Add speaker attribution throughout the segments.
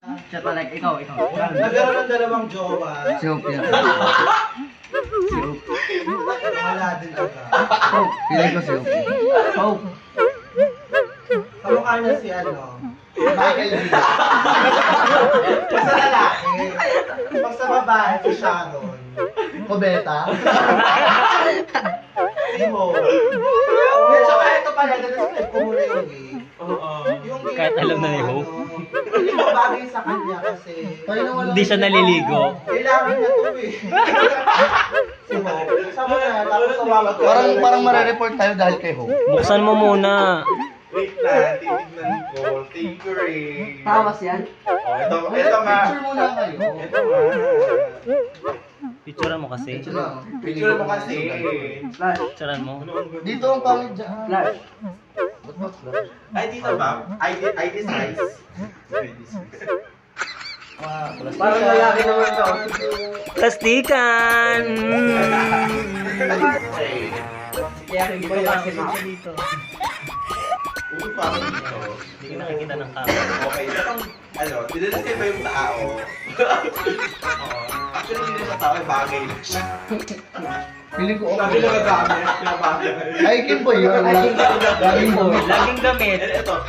Speaker 1: Siya talaga, ikaw.
Speaker 2: Nagkaroon ng dalawang jowa.
Speaker 1: Si Hope yan. Si Hope.
Speaker 2: Wala din agad.
Speaker 1: Hope. Piling ko si Hope. Hope.
Speaker 2: Kamukha niya si Michael B. Pag sa lalaki, pag sa babae, si Sharon.
Speaker 3: Kobeta.
Speaker 2: Si Mo. Medyo ito pala, na-describe ko muna yung gay. Yung gay
Speaker 4: Kahit alam na ni
Speaker 2: ko,
Speaker 4: Hope.
Speaker 2: Hindi mo bagay sa kanya kasi
Speaker 4: Hindi siya naliligo.
Speaker 2: kailangan niya to eh. Si Hope. Sabi na, tapos sumawag ka.
Speaker 3: Parang marereport tayo dahil kay Hope.
Speaker 4: Buksan mo muna.
Speaker 5: Wait lang, titignan ko. Thank you, Ray.
Speaker 1: Tawas yan?
Speaker 5: Oh, ito nga.
Speaker 3: Picture muna kayo.
Speaker 5: Ito nga.
Speaker 4: Picturean mo kasi.
Speaker 5: Picture mo kasi.
Speaker 1: Flash.
Speaker 4: Picturean mo.
Speaker 3: Dito ang pangit dyan.
Speaker 1: Flash.
Speaker 3: Ba't ba flash?
Speaker 5: Ay, dito ba? ID size.
Speaker 1: Parang lalaki naman to.
Speaker 4: Plastikan!
Speaker 1: Kaya hindi ko kasi dito.
Speaker 5: Uy, parang dito.
Speaker 4: Hindi ka nakikita ng camera.
Speaker 5: Okay, itong, dinadescribe ba yung tao? Oo. Actually, hindi na sa tao, bagay na siya.
Speaker 3: Feeling ko
Speaker 5: Sabi
Speaker 3: okay.
Speaker 5: na gagamit, pinabagay.
Speaker 3: Ay, Kim po yun. Laging po.
Speaker 4: Laging damit.
Speaker 5: And ito,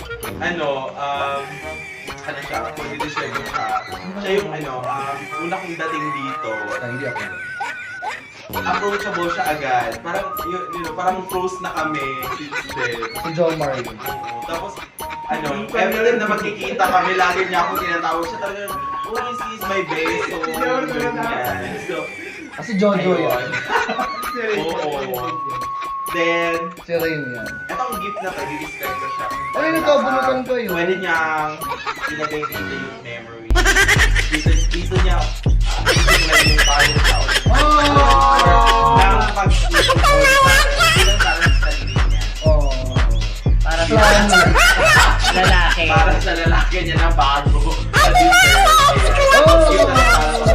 Speaker 5: ano siya, kung i-describe mo siya, siya yung una kong dating dito,
Speaker 3: Ay, hindi ako.
Speaker 5: approachable siya agad. Parang, parang close na kami since then.
Speaker 3: Si John Marie.
Speaker 5: Tapos, every time na magkikita kami, lagi niya ako tinatawag siya talaga, oh, is my best, so, ganyan. So,
Speaker 3: Kasi Jojo yan.
Speaker 5: oo. Then,
Speaker 3: Si Rain yan.
Speaker 5: etong gift na to, i-describe ko siya.
Speaker 3: Ay, nagkabunutan ko yun.
Speaker 5: Pwede niyang ilagay dito yung memory. Dito niya, ilagay yung parang sa ulit.
Speaker 3: Oh!
Speaker 5: Nang hindi lang para sa sarili niya.
Speaker 3: Oh.
Speaker 4: Para
Speaker 3: Plan.
Speaker 4: sa lalaki.
Speaker 5: Para sa lalaki niya na bago. Sa dessert.
Speaker 3: Oh!
Speaker 5: Yun ang para sa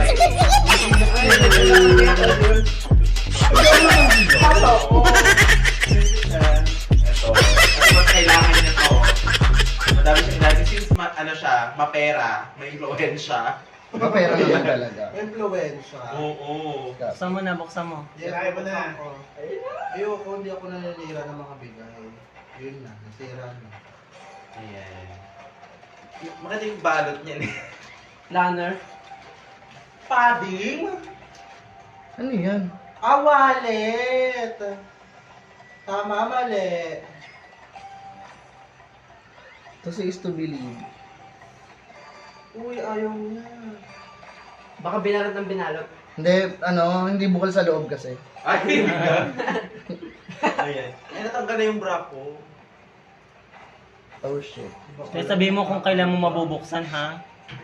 Speaker 5: Ito. Mas kailangan niya to. Madami siyang ilagay. Since siya, mapera, may influensya.
Speaker 3: Kapera naman talaga.
Speaker 2: Influensya.
Speaker 5: Oo.
Speaker 4: Buksan mo na, buksan mo.
Speaker 2: Kaya mo na. Ayoko, hindi ako nananira ng mga bigay. Yun na, nasira na.
Speaker 5: Ayan. Maganda yung balot niya.
Speaker 1: Planner.
Speaker 2: Padding?
Speaker 3: Ano yan?
Speaker 2: Wallet! Tama, mali.
Speaker 3: Kasi is to believe.
Speaker 2: Uy, ayaw niya.
Speaker 1: Baka binalot ng binalot.
Speaker 3: Hindi bukal sa loob kasi.
Speaker 5: Ay! Ayan. Eh, natanggal na yung bra ko.
Speaker 3: Oh shit.
Speaker 4: Kaya sabihin mo kung kailan mo mabubuksan, ha?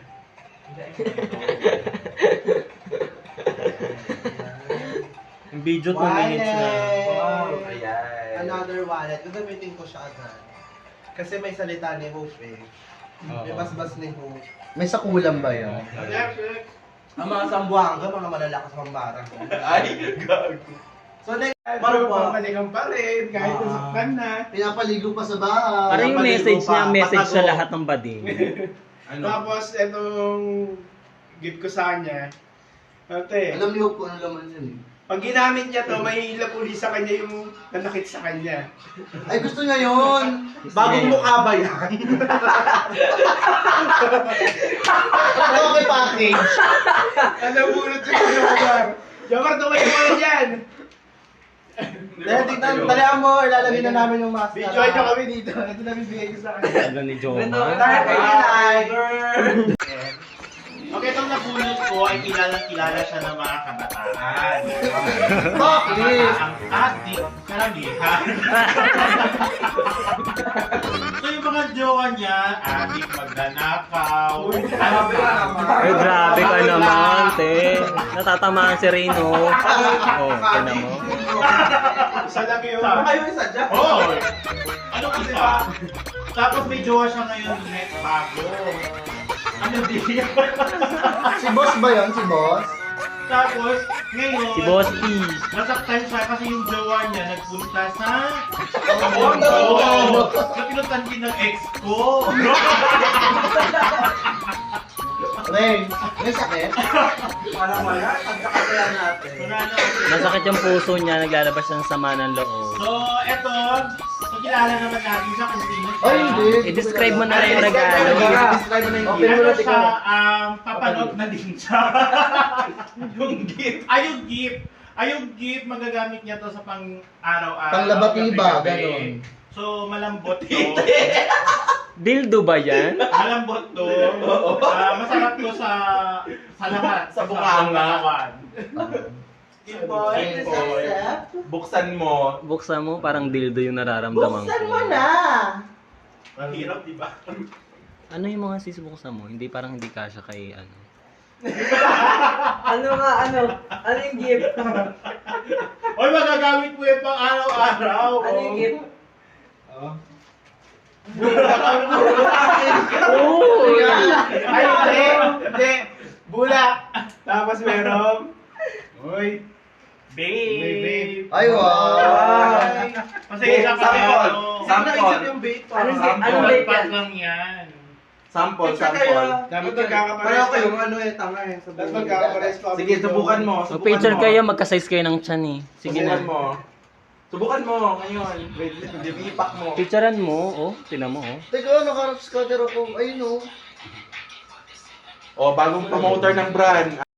Speaker 4: Yung video 2 minutes na.
Speaker 2: Wow.
Speaker 5: Ayan.
Speaker 2: Another wallet. Gagamitin ko siya agad. Kasi may salita ni Hope eh. May basbas ni Hope.
Speaker 3: May sakulam ba yan?
Speaker 2: Ang mga sambuanga, mga malalakas pang barang.
Speaker 5: Ay, gago.
Speaker 2: So next, Marupok.
Speaker 6: Balikan pa rin, kahit nasaktan na.
Speaker 3: Pinapaligo pa sa bahay.
Speaker 4: Parang yung message niya, message sa lahat ng bading.
Speaker 6: Tapos, itong gift ko sa kanya. Ate,
Speaker 3: Alam niyo kung ano laman yun eh.
Speaker 6: pag ginamit niya to, may lapuli sa kanya yung nanakit sa kanya.
Speaker 3: Ay, gusto niya yun!
Speaker 2: Bagong mukha ba yan?
Speaker 3: Ano kay package?
Speaker 6: Ano bunot sa Jomar? Jomar, tumayo mo na dyan!
Speaker 2: Dahil tignan, talihan mo, ilalagay na namin yung mask.
Speaker 6: Video nyo kami dito. Ito na bibigay ko sa kanya.
Speaker 4: Ano ni Joma?
Speaker 2: Dahil kay Tiger.
Speaker 5: Okay, itong nabunot ko ay kilala siya ng mga kabataan.
Speaker 3: Bakit?
Speaker 5: Ang adik, karamihan. So yung mga jowa niya, adik magnanakaw.
Speaker 4: Ay, grabe ka naman, te. Natatamaan si Reno. Oh, tignan mo.
Speaker 6: Isa lang yun.
Speaker 2: Kayo isa dyan.
Speaker 5: Oh! Ano kasi ba? Tapos may jowa siya ngayon, next bago. Ano din?
Speaker 3: Si boss ba yun? Si boss?
Speaker 5: Tapos, ngayon,
Speaker 4: Si Boss P.
Speaker 5: nasaktan siya kasi yung jowa niya nagpunta sa
Speaker 2: Tondo.
Speaker 5: So, pinutan din ng ex ko.
Speaker 3: Ray, may sakit?
Speaker 2: Parang wala. Pagkakasaya natin.
Speaker 4: Masakit yung puso niya, naglalabas ng sama ng loob.
Speaker 6: So, eto, so kilala naman natin siya kung sino siya.
Speaker 3: Ay, hindi.
Speaker 4: I-describe mo na lang yung regalo.
Speaker 1: Describe mo na yung
Speaker 2: Open
Speaker 1: gift.
Speaker 2: mo na,
Speaker 6: Ano siya, papanood na din siya.
Speaker 5: Yung gift.
Speaker 6: Yung gift, magagamit niya to sa pang-araw-araw.
Speaker 3: Panglabatiba,
Speaker 6: gabi-gabi.
Speaker 3: ganon.
Speaker 6: So, malambot to.
Speaker 4: Dildo ba yan?
Speaker 6: Malambot to. Masarap to sa lahat.
Speaker 5: Sa bunganga.
Speaker 6: katawan.
Speaker 2: Boy,
Speaker 5: Boy. Buksan mo.
Speaker 4: Buksan mo, parang dildo yung nararamdaman
Speaker 2: Buksan
Speaker 4: ko.
Speaker 2: mo na.
Speaker 6: Ang hirap, di ba?
Speaker 4: Ano yung mga sis buksan mo? Hindi parang hindi kasya kay ano.
Speaker 1: Ano nga, ano? Ano yung gift?
Speaker 6: Oy, magagamit mo yung pang araw-araw.
Speaker 1: Ano yung gift?
Speaker 6: Ay, hindi. Hindi. Bulak. Tapos meron. Uy. Babe.
Speaker 3: Ay, wow.
Speaker 6: Pasensya ka na.
Speaker 5: Sample.
Speaker 6: ano.
Speaker 5: Sample.
Speaker 2: yung bait ko.
Speaker 1: Anong
Speaker 5: Sample.
Speaker 1: anong bait
Speaker 6: Pat
Speaker 1: yan?
Speaker 6: lang yan.
Speaker 5: Sample,
Speaker 2: Kaya,
Speaker 5: sample.
Speaker 6: Dapat
Speaker 2: pareho
Speaker 6: magkakapares
Speaker 2: kayong ano tanga eh. sa
Speaker 6: Dapat
Speaker 2: buhay.
Speaker 6: magkakapares pa.
Speaker 5: Sige, subukan mo. Subukan
Speaker 4: Mag-picture
Speaker 5: mo.
Speaker 4: kayo, magka-size kayo ng chan eh. Sige
Speaker 5: Subukan
Speaker 4: na.
Speaker 5: mo. Subukan mo ngayon. Wait, ipak mo.
Speaker 4: Picturean mo, oh. Tinan mo, oh.
Speaker 3: Teka, naka-scatter ako. Ayun, oh.
Speaker 5: O, bagong promoter ng brand.